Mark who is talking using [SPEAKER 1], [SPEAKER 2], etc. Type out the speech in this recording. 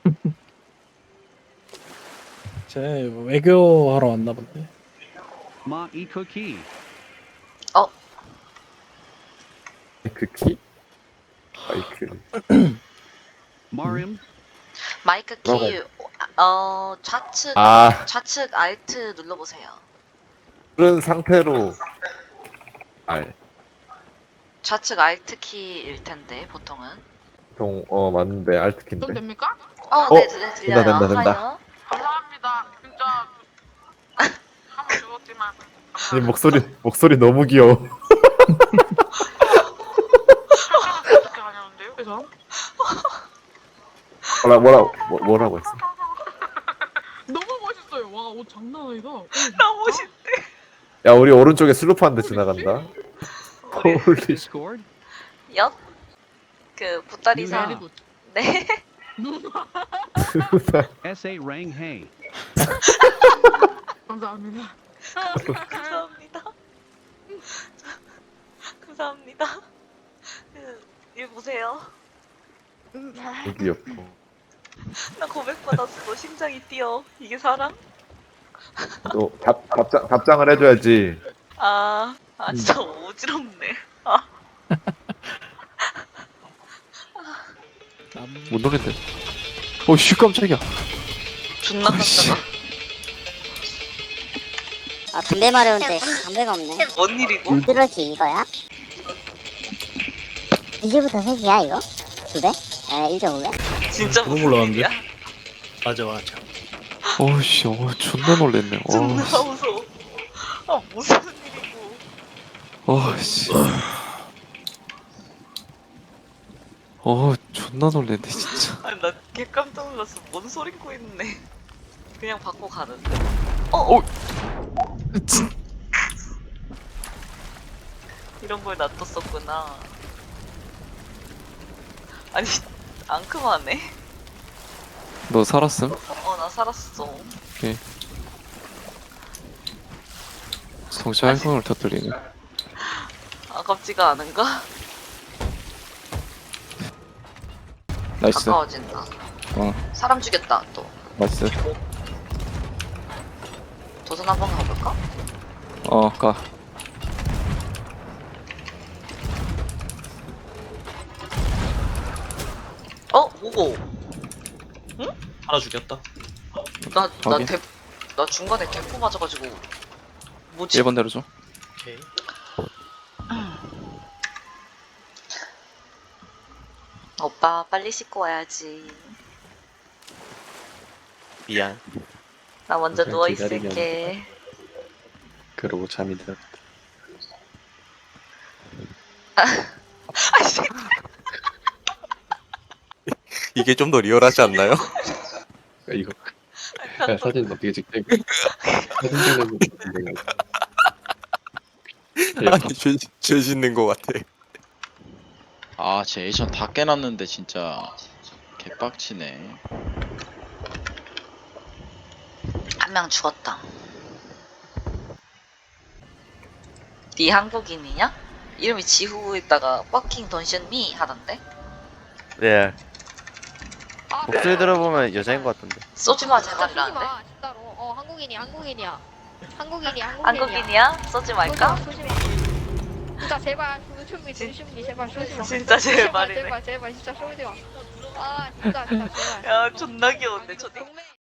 [SPEAKER 1] 쟤 외교하러 왔나 본데.
[SPEAKER 2] 마이 쿠키.
[SPEAKER 3] 그 키? 마이크.
[SPEAKER 2] 마림.
[SPEAKER 4] 마이크
[SPEAKER 3] 뭐라고
[SPEAKER 4] 키 좌측
[SPEAKER 3] 아,
[SPEAKER 4] 좌측 알트 눌러보세요.
[SPEAKER 3] 그런 상태로. 알.
[SPEAKER 4] 좌측 알트 키일 텐데 보통은.
[SPEAKER 3] 맞는데,
[SPEAKER 5] 좀
[SPEAKER 3] 알트킨데.
[SPEAKER 5] 됩니까?
[SPEAKER 4] 네, 들려요.
[SPEAKER 3] 된다.
[SPEAKER 4] 하여.
[SPEAKER 5] 감사합니다. 진짜 한번 죽었지만
[SPEAKER 3] 아니, 목소리 너무 귀여워.
[SPEAKER 5] 어떻게 하냐는데요? 그래서
[SPEAKER 3] 뭐라고 했어?
[SPEAKER 5] 너무 멋있어요. 와, 옷 장난 아니다.
[SPEAKER 4] 너무 멋있.
[SPEAKER 3] 야, 우리 오른쪽에 슬로프 한 대 지나간다. 홀리 씨.
[SPEAKER 2] 디스코드.
[SPEAKER 4] 엿. 그 보따리사.
[SPEAKER 5] 베리 굿.
[SPEAKER 4] 네.
[SPEAKER 2] SA 랭 헤이.
[SPEAKER 5] 감사합니다.
[SPEAKER 4] 감사합니다. 감사합니다. 일 보세요.
[SPEAKER 3] 너무 귀엽고.
[SPEAKER 4] 나 고백받았어. 심장이 뛰어. 이게 사랑?
[SPEAKER 3] 또 답장을 해줘야지.
[SPEAKER 4] 진짜 어지럽네.
[SPEAKER 6] 못 노겠네. 오씨 깜짝이야.
[SPEAKER 4] 존나 깜짝아.
[SPEAKER 7] 아 담배 마려운데 담배가 없네.
[SPEAKER 4] 뭔 일이고?
[SPEAKER 7] 뚜러기 이거야? 2시부터 3시야 이거? 2배? 1.5배?
[SPEAKER 4] 진짜
[SPEAKER 1] 그거
[SPEAKER 4] 무슨
[SPEAKER 1] 몰랐는데?
[SPEAKER 4] 일이야?
[SPEAKER 1] 맞아.
[SPEAKER 6] 오씨 존나 놀랬네.
[SPEAKER 4] 존나 무서워. 무슨 일이고?
[SPEAKER 6] 오씨. 존나 놀랬네 진짜.
[SPEAKER 4] 아니 나 개 깜짝 놀랐어. 뭔 소리고 있네. 그냥 받고 가는데. 이런 걸 놔뒀었구나. 아니 앙큼하네.
[SPEAKER 6] 너 살았음?
[SPEAKER 4] 나 살았어.
[SPEAKER 6] 성취 활성을 터뜨리네.
[SPEAKER 4] 아깝지가 않은가?
[SPEAKER 6] 나이스.
[SPEAKER 4] 가까워진다. 사람 죽였다 또.
[SPEAKER 6] 나이스.
[SPEAKER 4] 도전 한번 가볼까?
[SPEAKER 6] 가.
[SPEAKER 4] 오고.
[SPEAKER 1] 하나 죽였다.
[SPEAKER 6] 확인.
[SPEAKER 4] 나 중간에 대포 맞아가지고. 뭐지?
[SPEAKER 6] 1번 대로 줘.
[SPEAKER 1] 오케이.
[SPEAKER 4] 오빠 빨리 씻고 와야지.
[SPEAKER 6] 미안.
[SPEAKER 4] 나 먼저
[SPEAKER 6] 그래,
[SPEAKER 4] 누워
[SPEAKER 6] 기다리면
[SPEAKER 4] 있을게.
[SPEAKER 6] 그러고 잠이 들었다.
[SPEAKER 4] 아씨.
[SPEAKER 6] 이게 좀 더 리얼하지 않나요? 이거 야, 사진 어떻게 찍지? 사진 찍는 거 아니 죄 짓는 거 같아.
[SPEAKER 8] 아, 제 에이션 다 깨놨는데 진짜 개빡치네.
[SPEAKER 4] 한 명 죽었다. 네 한국인이냐? 이름이 지후에다가 Fucking Don't Shoot Me 하던데?
[SPEAKER 9] 네. 목소리 들어보면 여자인 것 같던데.
[SPEAKER 4] 쏘지마
[SPEAKER 10] 진짜
[SPEAKER 4] 제발이라는데?
[SPEAKER 10] 쏘지 마, 진짜로. 한국인이야.
[SPEAKER 4] 한국인이야? 쏘지 말까?
[SPEAKER 10] 쏘지 마. 진짜 제발 조심히 제발 쏘지 마.
[SPEAKER 4] 진짜 제발이네.
[SPEAKER 10] 제발 진짜 쏘지 마. 진짜 제발.
[SPEAKER 4] 야 존나 귀여운데 저기.
[SPEAKER 10] 동맹